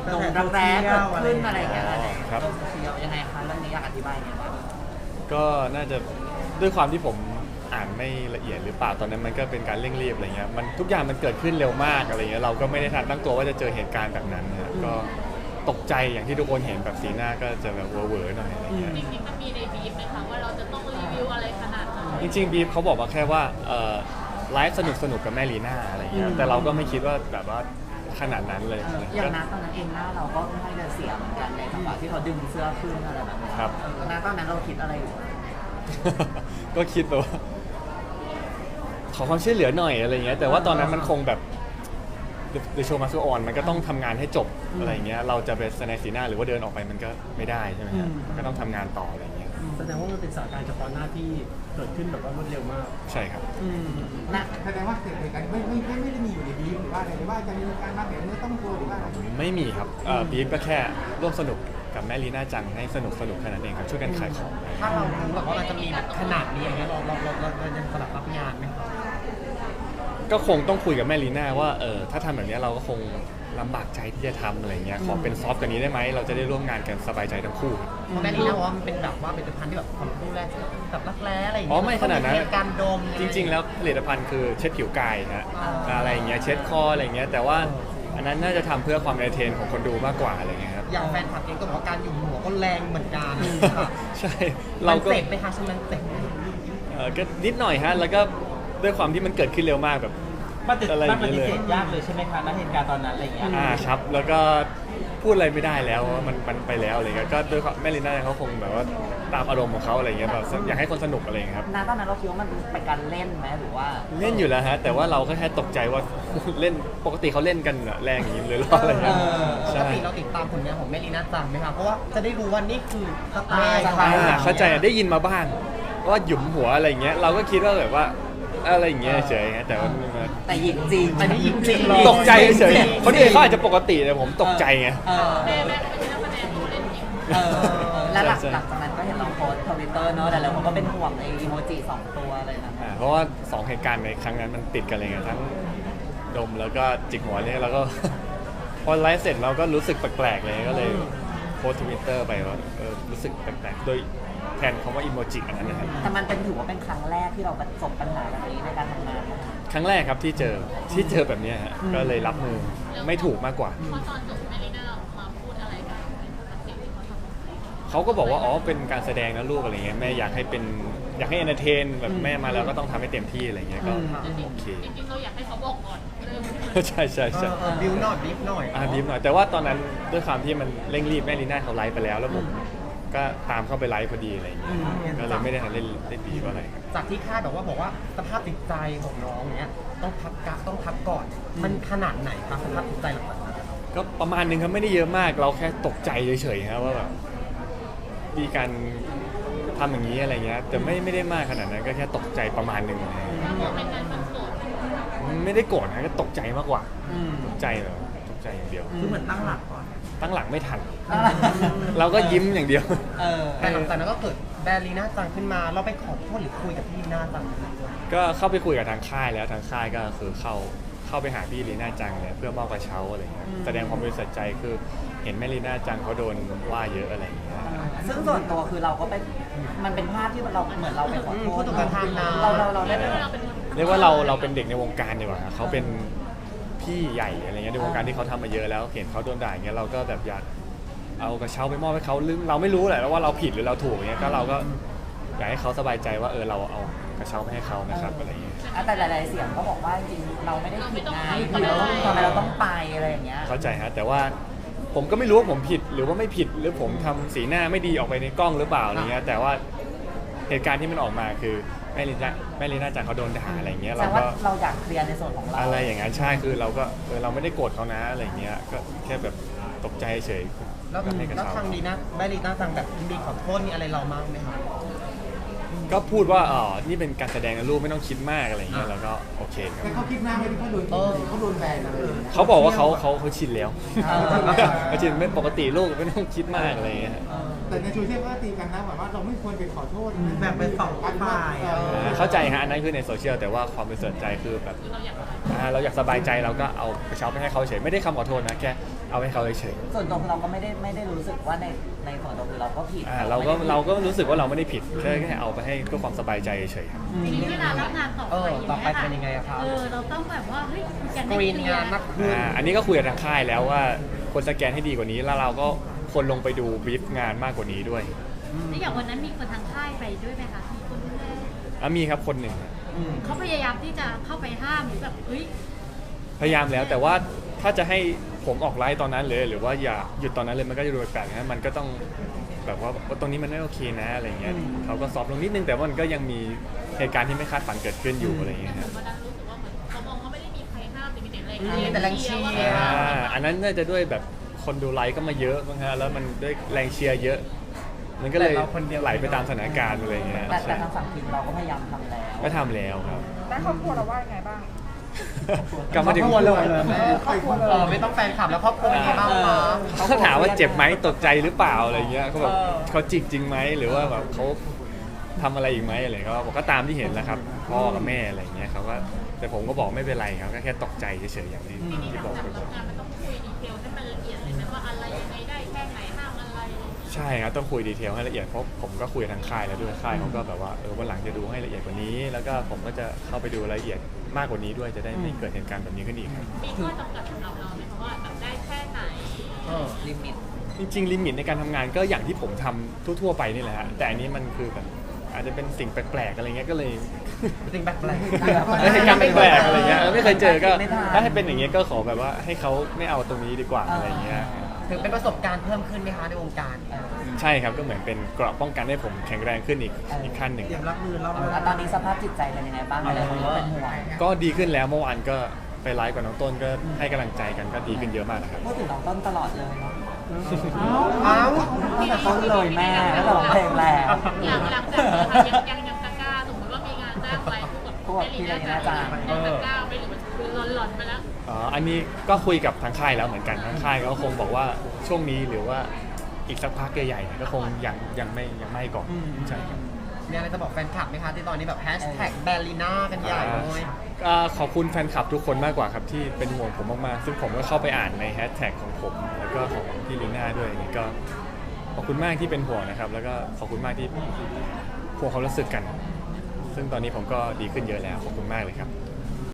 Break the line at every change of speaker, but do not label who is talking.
ลงรักแร้เกิดขึ้นอะไรอย่างเงี้ย
ครับ
โลกโซเชียลยังไงคะเรื่องนี้อยากอธิบายยังไงบ้าง
ก็น่าจะด้วยความที่ผมอ่านไม่ละเอียดหรือเปล่าตอนนั้นมันก็เป็นการเร่งรีบอะไรเงี้ยมันทุกอย่างมันเกิดขึ้นเร็วมากอะไรเงี้ยเราก็ไม่ได้ทันตั้งตัวว่าจะเจอเหตุการณ์แบบนั้นนะก็ตกใจอย่างที่ทุกคนเห็นแบบสีหน้าก็จะแบบเวอร์ๆหน่อยอะไรเงี้ย
จริงๆมันมีในบีฟไหมคะว่าเราจะต้องรีวิวอะไรขนาดไหน
จริงๆบีฟเขาบอกมาแค่ว่าไลฟ์สนุกกับแม่ลีน่าอะไรเงี้ยแต่เราก็ไม่คิดว่าแบบว่าขนาดนั้นเลย
อย่างนั้นตอนนั้นเองหน้าเราก็ไม่ได้เสียเหมือนกันในจังหวะที่เขาดึงเสื้อขึ้นอะไรแบบนี้
ครับ
หน้าตอนนั้นเราคิดอะไรอยู่
ก็คิดแบบว่าขอความช่วยเหลือหน่อยอะไรเงี้ยแต่ว่าตอนนั้นมันคงแบบ The show must go on มันก็ต้องทำงานให้จบอะไรเงี้ยเราจะไปแสดงสีหน้าหรือว่าเดินออกไปมันก็ไม่ได้ใช่ไหมฮะมันก็ต้องทำงานต่ออะไรเงี้ย
แสดงว่ามันเป็นสถานการณ์เฉพาะหน้าที่เกิดขึ้นแบบว่ารวดเร็วมาก
ใช่ครับ
นะ
แสดงว่าเกิดเหตุการณ์ไม่ได้มีอยู่ในบีฟหรือว่าอะไรหรือว่าจะมีการมาแบบเนื้อต้องตัวหรือว่าอะไร
ไม่มีครับบีฟก็แค่ร่วมสนุกกับแม่ลีน่าจังให้สนุกแค่นั้นเองครับช่วยกันขายของ
ถ้าเรารู้แบบว่ามันจะมีแบบขนาดนี้อย่างเงี้ยเรายังสลับรับงานไหมครับ
ก็คงต้องคุยกับแม่ลีน่าว่าถ้าทำแบบนี้เราก็คงลำบากใจที่จะทำอะไรเงี้ยขอเป็นซอฟต์กว่านี้ได้ไหมเราจะได้ร่วมงานกันสบายใจทั้งคู่ครับ
เพราะแม่ลีน่าบอกว่ามันเป็นแบบว่าเป็นผลิตภัณฑ์ที่แบบความดูแลแบบรักแร้อะไรอย่าง
อ๋
เงี้
อไม่ขนาดนั้น
การดม
จริง ๆ แล้วผลิตภัณฑ์คือเช็ดผิวกายฮะอะไรอย่างเงี้ยเช็ดคออะไรอย่างเงี้ยแต่ว่าอันนั้นน่าจะทำเพื่อความเอนเตอร์เทนของคนดูมากกว่าอะไรเงี้ยครับ
อย่างแฟนคลับเองก็บอกว่าการหยุมหัวก็แรงเหมือนกันค่ะ
ใช่
เรา
เราก็
เจ็บไหมคะช่วงนั้นเจ็บไหม
ก็นิดหน่อยฮะแล้วก็ด้วยความที่มันเกิดขึ้นเร็วมากแบบ อะไรอย่าง
ป
เงี้ย
ฏิ
เลย
เสธยากเลยใช่ไหมคะณเหตุการณ์ตอนนั้นอะไรอย่างเงี้ย
ครับแล้วก็พูดอะไรไม่ได้แล้วว่ามันไปแล้วอะไรเงี้ยก็ด้วยแม่ลีน่าเขาคงแบบว่าตามอารมณ์ของเขาอะไรเงี้ยแบบอยากให้คนสนุกอะไรเงี้ยครับ
ณตอนนั้นเราคิดว่ามันเป็นการเล่นไหมหรือว่า
เล่นอยู่แล้วฮะแต่ว่าเราก็แค่ตกใจว่า เล่นปกติเขาเล่นกันแรงอย่างนี้เลยหรออะไรเงี้ย
ปก
ใช่
ติเราติดตามผลงานของแม่ลีน่าจังไหมคะเพราะว่าจะได้รู้ว่านี่คือสไตล์
สไตล์
เข้าใจได้ยินมาบ้างว่าหยุมหัวอะไรเงี้ยเราก็คิดว่าแบบว่าอะไรอย่างเงี้ยเฉยๆแต่ว่า
แต่หยิบจริง
อันนี้หยิบจริง
ตกใจเฉยๆคนอื่นเขาอาจจะปกติแต่ผมตกใจไง
แม่ก็เป็นนักแสดงเขาเล่นจริง
และหลัง
ใช่
จากนั้นก็เห็นเราโพสทวิตเตอร์เนอะแต่แล้วผมก็เป็นห่วงไอ้อีโมจิ2 ตัวเลยนะ
เพราะว่า2เหตุการณ์ในครั้งนั้นมันติดกันเลยไงทั้งดมแล้วก็จิกหัวเนี่ยแล้วก็ พอไลฟ์เสร็จเราก็รู้สึกแปลกๆเลยก็เลยโพสทวิตเตอร์ไปว่ารู้สึกแปลกๆโดยแทนคำว่าอิโมจิอันนั้นนะครับ
แต่มันถือว่าเป็นครั้งแรกที่เราประสบปัญหาแบบนี้ในการทำงานนะคะ
ครั้งแรกครับที่เจอแบบเนี้ยฮะก็เลยรับมือไม่ถูกมากกว่า
พอตอนจบแมรีน่ามาพูดอะไรกันกับสิ่งที่เขาทำออกไป
เขาก็บอกว่าอ๋อเป็นการแสดงนะลูกอะไรเงี้ยแม่อยากให้เอนเตอร์เทนแบบแม่มาแล้วก็ต้องทำให้เต็มที่อะไรเงี้ยก็โอเค
จริงๆเราอยากให้เขาบอกก่อนเริ่ม
ใช่ใช่
บิวหน่อยบิฟหน่อย
บีบหน่อยแต่ว่าตอนนั้นด้วยความที่มันเร่งรีบแม่ลีน่าเขาไลฟ์ไปแล้วแล้วผมก็ตามเข้าไปไลฟ์พอดีอะไรอย่างเงี้ยก็เลยไม่ได้ทันเล่นบีบอะไรครับ
จากที่คาดบอกว่าสภาพจิตใจของน้องเนี้ยต้องพักก่อน มันขนาดไหนครับสภาพจิตใจหลังจากนั้น
ก็ประมาณนึงครับไม่ได้เยอะมากเราแค่ตกใจเฉยๆครับว่าแบบมีการทำอย่างนี้อะไรเงี้ยแต่ไม่ได้มากขนาดนั้นก็แค่ตกใจประมาณนึง
เราเป็นการมันโสด
ไม่ได้โกรธนะก็ตกใจมากกว่าตกใจเลยตกใจอย่างเดียว
คือเหมือนตั้งหลักก่อน
ตั้งหลังไม่ทัน เราก็ยิ้มอย่างเดียว
แต่หลังจากนั้นก็เกิดแบรนด์ลีน่าจังขึ้นมา เราไปขอโทษหรือคุยกับพี่ลีน่าจัง
ก็เข้าไปคุยกับทางค่ายแล้วทางค่ายก็คือเข้าไปหาพี่ลีน่าจังเลยเพื่อมอบกระเช้าอะไรเงี้ยแสดงความบริสุทธิ์ใจคือเห็นแม่ลีน่าจังเขาโดนว่าเยอะอะไรอย่างเงี้ย
ซึ่งส่วนตัวคือเราก็เป็นมันเป็นภาพที่เราเหมือนเราไปขอโท
พู
ษ
ดถึงการทำนะ
เราได้
เราเป็น
เรียกว่าเราเป็นเด็กในวงการดีกว่าเขาเป็นพี่ใหญ่อะไรเงี้ยในวงการที่เขาทำมาเยอะแล้วเห็นเขาโดนด่าอย่างเงี้ยเราก็แบบอยากเอากระเช้าไปมอบให้เขาลึงเราไม่รู้แหละว่าเราผิดหรือเราถูกเงี้ยก็เราก็อยากให้เขาสบายใจว่าเราเอากระเช้าไปให้เขานะครับอะไรเงี้ย
แต่หลายๆเสียงก็บอกว่าจริงๆเราไม่ได้ผิดไงทำไมเราต้องไปอะไรอย่างเงี้ย
เข้าใจฮะแต่ว่าผมก็ไม่รู้ว่าผมผิดหรือว่าไม่ผิดหรือผมทำสีหน้าไม่ดีออกไปในกล้องหรือเปล่าอะไรเงี้ยแต่ว่าเหตุการณ์ที่มันออกมาคือแม่ลีน่าจังเขาโดนด่าอะไรเงี้ย
แสด
เรา
งว่า
ก็
เราอยากเคลียร์ในส่วนของเรา
อะไรอย่างนั้นใช่คือเราก็เราไม่ได้โกรธเขานะอะไรเงี้ยก็แค่แบบตกใจเฉย
แล้ว
ก็ให้กระ
แล้ว
เช้า
ทางลีน่าแบรนด์ลีน่าจังแบบมีขอโทษมีอะไรเรามากไหมครับ
กก็พูดว่านี่เป็นการแสดงนะลูกไม่ต้องคิดมากอะไรอย่างเงี้ยแล้วก็โอเคครับ
แต่เขาคิดมากไหมที่เขาโดนแบนอะไรอย่างเงี้ย
เขาบอกว่าเขาชินแล้วเขาชินไม่ปกติลูกไม่ต้องคิดมากอะไรอย่างเงี้ย
แต่ในโซเชียลก็ตีกันนะแบบว่าเราไม่ควรไปขอโทษนะ
แบบเป็นสองฝ่ายอะ
เข้าใจฮะอันนั้นคือในโซเชียลแต่ว่าความบริสุทธิ์ใจคือแบบเราอยากสบายใจเราก็เอากระเช้าไปให้เขาเฉยไม่ได้คำขอโทษนะแค่เอาให้เขาเฉย
ส่วนตัวเราก็ไม่ได้รู้สึกว่าในส่วนตัวคือเราก็ผิด
เราก็รู้สึกว่าเราไม่ได้ผิดแค่เอาไปให้เพื่อความสบายใจเฉยครับ
ทีนี้เวลารับงานต่อไปอย่าง
ต่อไป
เงี้ย
เป็นยังไงอะครับ
เราต้องแบบว่าเฮ้ยกัน
ก
ให้
รีน
เคลีย
งาน
ร์
มากขึ้น
อันนี้ก็คุยกับทางค่ายแล้วว่าคนสแกนให้ดีกว่านี้แล้วเราก็คนลงไปดูบรีฟงานมากกว่านี้ด้วย
แล้วอย่างวันนั้นมีคนทางค่ายไปด้วยไหมคะมีคนดูแล
มีครับคนหนึ่ง
เขาพยายามที่จะเข้าไปห้ามหรือแบบเฮ้ย
พยายามแล้วแต่ว่าถ้าจะให้ผมออกไลฟ์ตอนนั้นเลยหรือว่าอย่าหยุดตอนนั้นเลยมันก็จะดูแปลกๆนะมันก็ต้องแบบว่าตรงนี้มันไม่โอเคนะอะไรเงี้ยเขาก็ซอฟต์ลงนิดนึงแต่ว่ามันก็ยังมีเหตุการณ์ที่ไม่คาดฝันเกิดขึ้นอยู่อะไรเงี้ย
เห
ค
มื
รั
อบ นวันนั้นรู้สึกว่าเหมือนเขามองว่าไม่ได้มีใครห้ามแต่มีแต่แรง
มีแต่แรงเชียร์
อันนั้นน่าจะด้วยแบบคนดูไลฟ์ก็มาเยอะมั้งฮะแล้วมันด้วยแรงเชียร์เยอะ มันก็เลย
แต่เราคนเดียว
ไหลไปตามสถานการณ์อะไรเงี้ย
แต่
ใช่
ทางฝั่งทีมเราก็พยายามทำแล้ว
ก็ทำแล้วครับ
แล้วครอบครัวเราว่ายังไงบ้าง
กลับมาถึง
ครอบครัวเลยแม่
ครอบครัวเลย
ไม่ต้องแฟนคลับแล้วครอบครัวเป็นยังไงบ้างคะ
เขาถามว่าเจ็บไหมตกใจหรือเปล่าอะไรเงี้ยเขาแบบเขาจิกจริงไหมหรือว่าแบบเขาทำอะไรอีกไหมอะไรก็บอกก็ตามที่เห็นแหล้วครับพ่อกับแม่อะไรเงี้ยเขาก็แต่ผมก็บอกไม่เป็นไรครับก็แค่ตกใจเฉยๆอย่างที่บอกไปก่อน
งานมันต้องคุยดีเทลให้มันละเอียดเลยนะว่าอะไรยังไงได้แค่ไหนห้ามอะไร
ใช่ครับต้องคุยดีเทลให้ละเอียดเพราะผมก็คุยกับทางค่ายแล้วด้วยค่ายเขาก็แบบว่าวันหลังจะดูให้ละเอียดกว่านี้ แล้วก็ผมก็จะเข้าไปดูรายละเอียดมากกว่านี้ด้วยจะได้ไม่เกิดเหตุการณ์แบบนี้ขึ้นอีกครับ
มีข้อจำกัดสำหรับเราไหมเพราะว่าแบบได้แค่ไหน
ลิมิต
จริงๆลิมิตในการทำงานก็อย่างที่ผมทำทั่วๆไปนี่แหละฮะแต่อันนี้มันคือแบบอาจจะเป็นสิ่งแปลกๆอะไรเงี้ยก็เลย
สิ่งแปลก
เหตุการณ์แปลกๆอะไรเงี้ยไม่เคยเจอก็ถ้าให้เป็นอย่างเงี้ยก็ขอแบบว่าให้เขาไม่เอาตรงนี้ดีกว่าอะไรเงี้ย
ถือเป็นประสบการณ์เพิ่มขึ้นไหมคะในวงการ
ใช่ครับก็เหมือนเป็นเกราะป้องกันให้ผมแข็งแรงขึ้นอีกขั้นหนึ่ง
เตรียมรับมือรอบห
แล้วตอนนี้สภาพจิตใจเป็นยังไงบ้างอะไรคนก็เป็นห่วง
ก็ดีขึ้นแล้วเมื่อวานก็ไปไลฟ์กับน้องต้นก็ให้กำลังใจกันก็ดีขึ้นเยอะมากนะครับ
พูดถึงน้องต้นตลอดเลยเนาะ
อ้าว
ตั้งแต่ต้นเลยแม่แล้วก็ร้องเพลงแล้ว
หลังจากนี้นะคะยังตะกร้าสมมติว่ามีงานจ้างไปคู่กับพี่ลีน่าจังยังตะกร้าไปหรือมันคือหลอนๆไปแล้ว
อันนี้ก็คุยกับทางค่ายแล้วเหมือนกันทางค่ายก็คงบอกว่าช่วงนี้หรือว่าอีกสักพักใหญ่ๆก็คงยังไม่ก่อนใช่ครับ
มีอะไรจะบอกแฟนคลับไหมคะที่ตอนนี้แบบแฮชแท็กแบลลีน่ากันใหญ่เลย
ขอบคุณแฟนคลับทุกคนมากกว่าครับที่เป็นห่วงผมมากๆซึ่งผมก็เข้าไปอ่านในแฮชแท็กของผมแล้วก็ของพี่ลีน่าด้วยอย่างนี้ก็ขอบคุณมากที่เป็นห่วงนะครับแล้วก็ขอบคุณมากที่ห่วงความรู้สึกกัน ซึ่งตอนนี้ผมก็ดีขึ้นเยอะแล้วขอบคุณมากเลยครับ